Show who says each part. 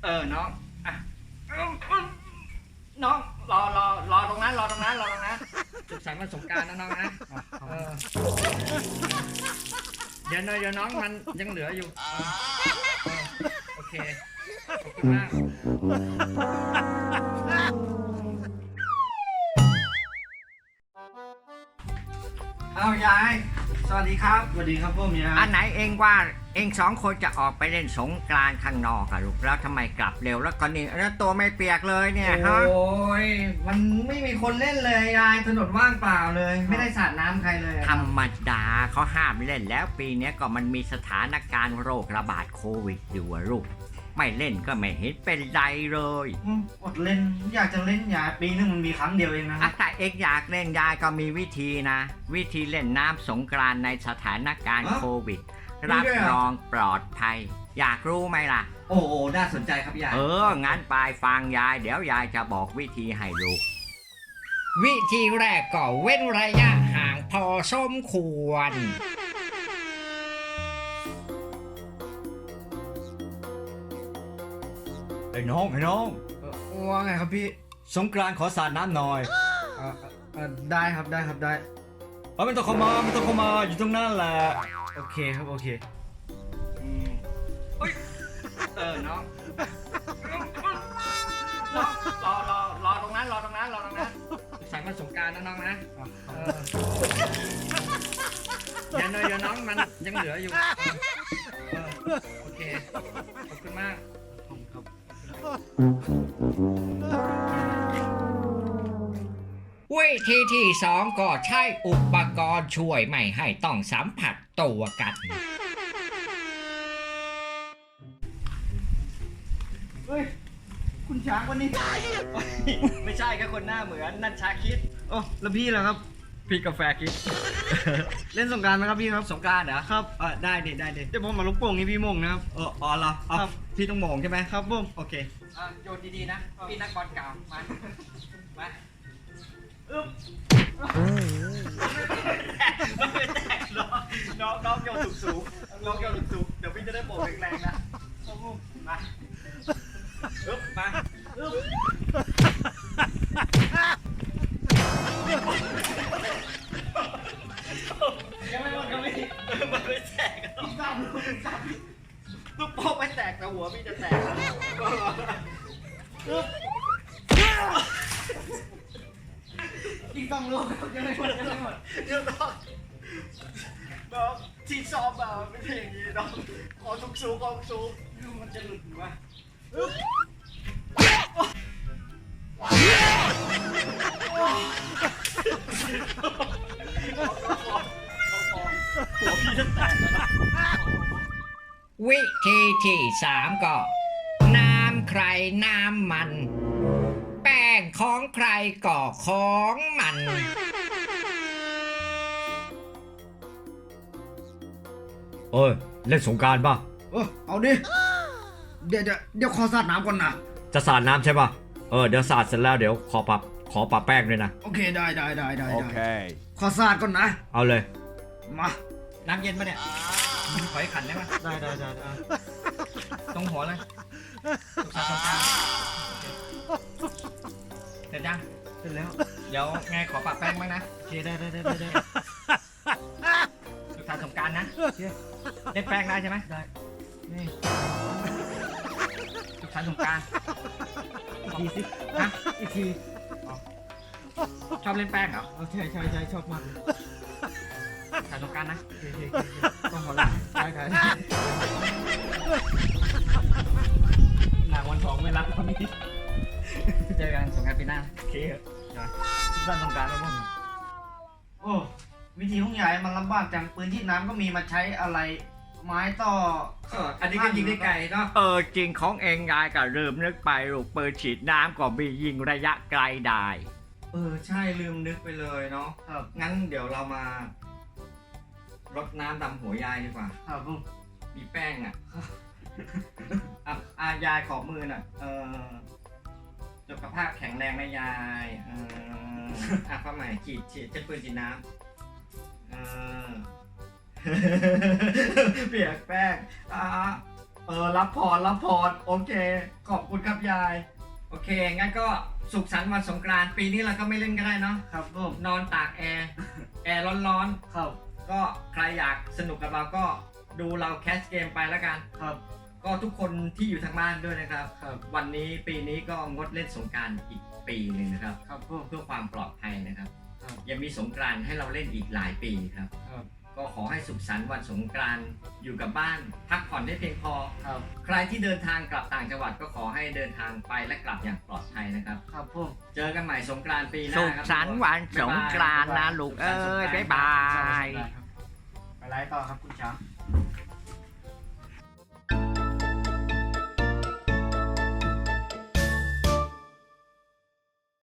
Speaker 1: น้องอ่ะน้องรอตรงนั้นสุขสันต์วันสงกรานต์นะน้องนะเดี๋ยวน้องมันยังเหลืออยู่โอเคขอบคุณมากเอายายสวัสดีครับ
Speaker 2: สวัสดีครับพ่อเมีย
Speaker 1: อันไหนเองว่าเองสองคนจะออกไปเล่นสงกรานต์ข้างนอกอะลูกแล้วทำไมกลับเร็วแล้วก็นี่แล้วตัวไม่เปียกเลยเนี่ยฮะ
Speaker 2: โอ้ยมันไม่มีคนเล่นเลยยายถนนว่างเปล่าเลยไม่ได้สาดน้ำใครเลย
Speaker 1: ธรรมดาเขาห้ามเล่นแล้วปีนี้ก็มันมีสถานการณ์โรคระบาดโควิดอยู่อะลูกไม่เล่นก็ไม่เห็นเป็นไรเลย
Speaker 2: อดเล่นอยากจะเล่นยายปีนึงมันมีครั้งเดียวเองนะ
Speaker 1: ถ้าเอกอยากเล่นยายก็มีวิธีนะ วิธีเล่นน้ำสงกรานต์ในสถานการณ์โควิดรับรองปลอดภัยอยากรู้ไหมล่ะ
Speaker 2: โอ้โหน่าสนใจครับยาย
Speaker 1: งั้นไปฟังยายเดี๋ยวยายจะบอกวิธีให้ลูกวิธีแรกก็เว้นระยะห่างพอสมควรไอ้น้อง
Speaker 2: ว่าไงครับพี่
Speaker 1: สงกรานต์ขอสาดน้ำหน่อย
Speaker 2: ได้ครับได้
Speaker 1: ไม่ต้องเข้ามาอยู่ตรงนั้นแหละ
Speaker 2: โอเคครับโอเค
Speaker 1: น้องรอตรงนั้นใส่มาสงกรานต์นะน้องนะเดี๋ยวน้องมันยังเหลืออยู่โอเคขอบคุณมากวิธีที่สองก็ใช้อุปกรณ์ช่วยไม่ให้ต้องสัมผัสตัวกัน
Speaker 2: เฮ้ยคุณช้างวันนี้
Speaker 1: ไม่ใช่แค่คนหน้าเหมือนนั่นชาคิด
Speaker 2: โอ้แล้วพี่ล่ะครับ
Speaker 1: พี่กาแฟคิด
Speaker 2: เล่นสงกรานต์ไหมครับพี่ครับ
Speaker 1: สงกรานต์เหรอ
Speaker 2: ครับ
Speaker 1: ได้ดิ
Speaker 2: เดี๋ยวผมมาลูกโป่งนี่พี่มงนะครับ
Speaker 1: เหรอ
Speaker 2: ครับ
Speaker 1: พี่ต้องโหม่งใช่ไหม
Speaker 2: ครับผม
Speaker 1: โอเคโยนดีๆนะพี่นักบอลเก่ามามันไม่แตกน้องโยนสูงเดี๋ยวพี่จะได้โบกแรงๆนะมายังไม่หมดมันไม่แตกลูกโป่งไม่แตกแต่หัวพี่จะแตก
Speaker 2: อีกต้องลูกยังไม่หมด
Speaker 1: เดี๋ยวน้องที่ซ้อมมาไม่ใช่อย่างนี้น้องขอสูงดูมันจะหลุดวะหัวพี่จะแตกวิธีที่สามก็น้ำใครน้ำมันแป้งของใครก็ของมันเล่นสงกรานต์ป่ะ
Speaker 2: เอาดิเดี๋ยวขอสาดน้ำก่อนนะ
Speaker 1: จะสาดน้ำใช่ป่ะเดี๋ยวสาดเสร็จแล้วเดี๋ยวขอปะแป้งด้วยนะ
Speaker 2: โอเคได้
Speaker 3: โอเค
Speaker 2: ขอสาดก่อนนะ
Speaker 1: เอาเลย
Speaker 2: มา
Speaker 1: น้ำเย็นป่ะเนี่ยขอให้ขันได้ไหม
Speaker 2: ได้
Speaker 1: ตรงหัวเลยสุขสันต์สงกรานต์เสร็จยัง
Speaker 2: เสร็จแล้ว
Speaker 1: เดี๋ยวไงขอปะแป้งบ้างนะ
Speaker 2: โอเคได้
Speaker 1: สุขสันต์สงกรานต์นะเล่นแป้งได้ใช่ไหม
Speaker 2: ได้นี่
Speaker 1: สุขสันต์สงกรานต์
Speaker 2: อีกทีสิ
Speaker 1: ฮะ
Speaker 2: อีกที
Speaker 1: ชอบเล่นแป้งเหรอ
Speaker 2: ใช่ชอบมากเลย
Speaker 1: สุขสันต์สงกรานต์นะ
Speaker 2: โอเคต้องขอลาได้หนังวันทองไม่รับตอนนี้
Speaker 1: เจอกันสงกรานต์ปีหน้า
Speaker 2: โอเคทุกท่านต้องการแล้วมั้งโอ้วิธีของยายมันลำบากจังปืนที่น้ำก็มีมาใช้อะไรไม้ต่อ
Speaker 1: อันนี้ก็ยิงได้ไกลเนาะจริงของเองยายก็ลืมนึกไปลูกปืนฉีดน้ำก็มียิงระยะไกลได้
Speaker 2: ใช่ลืมนึกไปเลยเนาะครับงั้นเดี๋ยวเรามารดน้ำดำหัวยายดีกว่าครับผมมีแป้งยายขอมือน่ะสุขภาพแข็งแรงนะยายข้าใหม่ฉีดใช้ปืนฉีดน้ำเปียกแป้งรับพรโอเค ขอบคุณครับยาย โอเค งั้นก็สุขสันต์วันสงกรานต์ปีนี้เราก็ไม่เล่นก็ได้เนาะ
Speaker 3: ครับผม
Speaker 2: นอนตากแอร์ แอร์ร้อน
Speaker 3: ครับ
Speaker 2: ๆ ก็ใครอยากสนุกกับเราก็ดูเราแคสเกมไปแล้วกัน
Speaker 3: ครับ
Speaker 2: ก็ทุกคนที่อยู่ทางบ้านด้วยนะครับ
Speaker 3: ครับ
Speaker 2: วันนี้ปีนี้ก็งดเล่นสงกรานต์อีกปีหนึ่งนะครับ
Speaker 3: ครับผม
Speaker 2: เพื่อความปลอดภัยนะครับ
Speaker 3: ครับ
Speaker 2: ยังมีสงกรานต์ให้เราเล่นอีกหลายปีครับ
Speaker 3: ครับ
Speaker 2: ก็ขอให้สุขสันต์วันสงกรานต์อยู่กับบ้าน พักผ่อนให้เพียงพอ
Speaker 3: ครับ
Speaker 2: ใครที่เดินทางกลับต่างจังหวัดก็ขอให้เดินทางไปและกลับอย่างปลอดภัยนะครับ
Speaker 3: ครับผม
Speaker 2: เจอกันใหม่สงกรานต์ปีหน้า
Speaker 1: สุข
Speaker 2: ครับ
Speaker 1: สันต์วันสงกรานต์นะลูกเอ้ยบ๊ายบาย
Speaker 3: ไปไลฟ์ต่อครับคุณช้าง